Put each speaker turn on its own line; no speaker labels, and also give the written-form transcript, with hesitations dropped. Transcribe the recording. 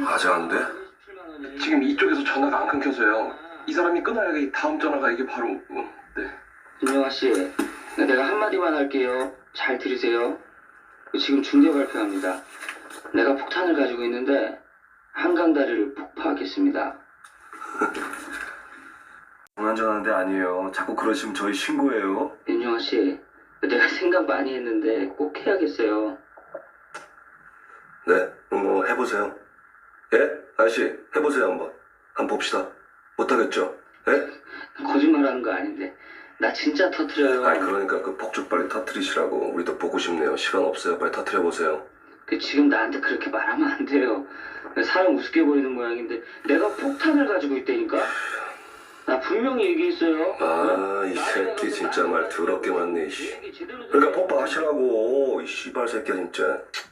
아직 안 돼? 지금 이쪽에서 전화가 안 끊겨서요. 이 사람이 끊어야 이 다음 전화가 이게 바로 네.
윤영아 씨, 내가 한마디만 할게요. 잘 들으세요. 지금 중대 발표합니다. 내가 폭탄을 가지고 있는데 한강다리를 폭파하겠습니다.
불안전한데 아니에요. 자꾸 그러시면 저희 신고해요.
윤영아 씨, 내가 생각 많이 했는데 꼭 해야겠어요.
네, 뭐 해보세요. 예? 아저씨, 해보세요 한번. 한번 봅시다. 못하겠죠? 예?
거짓말하는 거 아닌데 나 진짜 터트려요.
아니 그러니까 그 폭죽 빨리 터트리시라고. 우리도 보고 싶네요. 시간 없어요. 빨리 터트려보세요.
지금 나한테 그렇게 말하면 안 돼요. 사람 우습게 보이는 모양인데 내가 폭탄을 가지고 있다니까? 나 분명히 얘기했어요.
아, 이 새끼 진짜 말 더럽게 많네. 그러니까 폭파하시라고. 이 씨발 새끼야 진짜.